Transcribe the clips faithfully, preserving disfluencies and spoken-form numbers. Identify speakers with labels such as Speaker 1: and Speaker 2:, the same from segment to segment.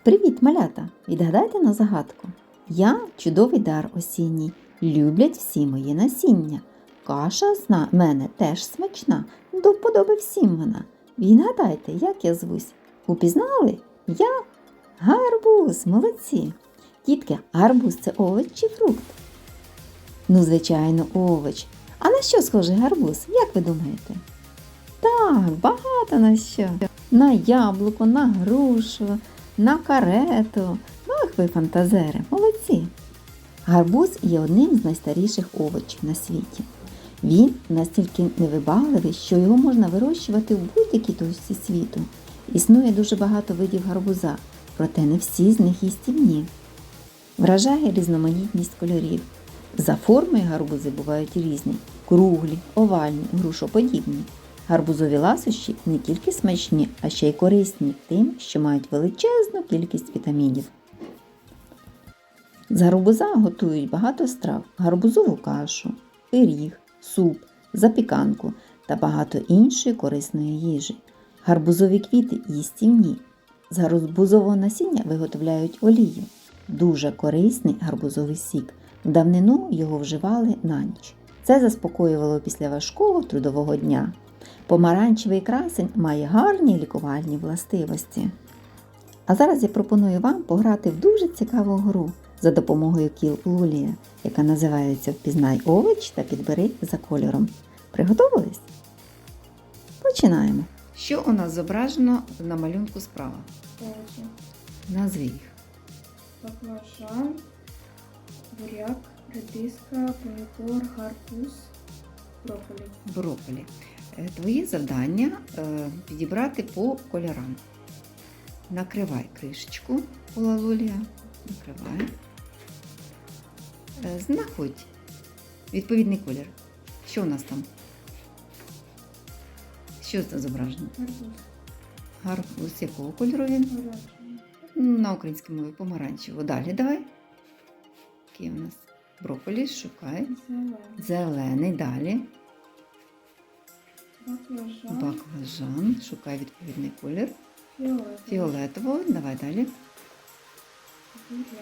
Speaker 1: Привіт, малята! Відгадайте на загадку. Я чудовий дар осінній, люблять всі мої насіння. Каша з на мене теж смачна, до вподоби всім вона. Відгадайте, як я звусь. Упізнали? Я гарбуз, молодці. Дітки, гарбуз – це овоч чи фрукт? Ну, звичайно, овоч. А на що схожий гарбуз, як ви думаєте? Так, багато на що. На яблуко, на грушу, на карету. Ах ви фантазери, молодці! Гарбуз є одним з найстаріших овочів на світі. Він настільки невибагливий, що його можна вирощувати в будь-якій точці світу. Існує дуже багато видів гарбуза, проте не всі з них їстівні. Вражає різноманітність кольорів. За формою гарбузи бувають різні – круглі, овальні, грушоподібні. Гарбузові ласощі не тільки смачні, а ще й корисні тим, що мають величезну кількість вітамінів. З гарбуза готують багато страв – гарбузову кашу, пиріг, суп, запіканку та багато іншої корисної їжі. Гарбузові квіти їстівні. З гарбузового насіння виготовляють олію. Дуже корисний гарбузовий сік. В давнину його вживали на ніч. Це заспокоювало після важкого трудового дня. Помаранчевий красень має гарні лікувальні властивості. А зараз я пропоную вам пограти в дуже цікаву гру за допомогою кіл Лулія, яка називається «Впізнай овоч та підбери за кольором». Приготовились? Починаємо. Що у нас зображено на малюнку справа?
Speaker 2: Овочі.
Speaker 1: Назви їх.
Speaker 2: Баклажан, буряк, редиска, помідор, гарбуз, брокколі.
Speaker 1: Брокколі. Е, Твоє завдання е, підібрати по кольорам. Накривай кришечку у лалулія. Накривай. Е, Знаходь відповідний колір. Що у нас там? Що це зображено?
Speaker 2: Гарбуз.
Speaker 1: Гарбуз якого кольору він?
Speaker 2: Оранжевий.
Speaker 1: На українській мові помаранчево. Далі давай. Який у нас? Брокколі, шукай.
Speaker 2: Зелений.
Speaker 1: Зелений. Далі.
Speaker 2: Баклажан.
Speaker 1: Баклажан. Шукай відповідний колір.
Speaker 2: Фіолетовий.
Speaker 1: Фіолетового. Давай далі.
Speaker 2: Буряк.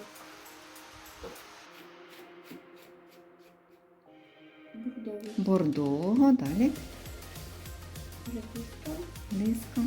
Speaker 2: Бордовий.
Speaker 1: Бордового. Далі.
Speaker 2: Редиска.
Speaker 1: Лиска.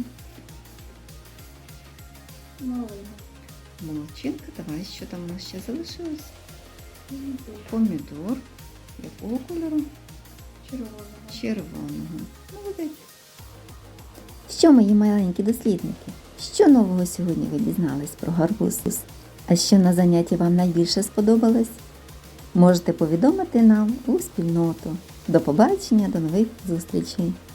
Speaker 2: Малина.
Speaker 1: Молодчинка. Давай, що там у нас ще залишилось?
Speaker 2: Помідор.
Speaker 1: Помідор. Якого кольору?
Speaker 2: Червоного.
Speaker 1: Червоного. Молодець. Що, мої маленькі дослідники? Що нового сьогодні ви дізнались про гарбуз? А що на занятті вам найбільше сподобалось? Можете повідомити нам у спільноту. До побачення, до нових зустрічей!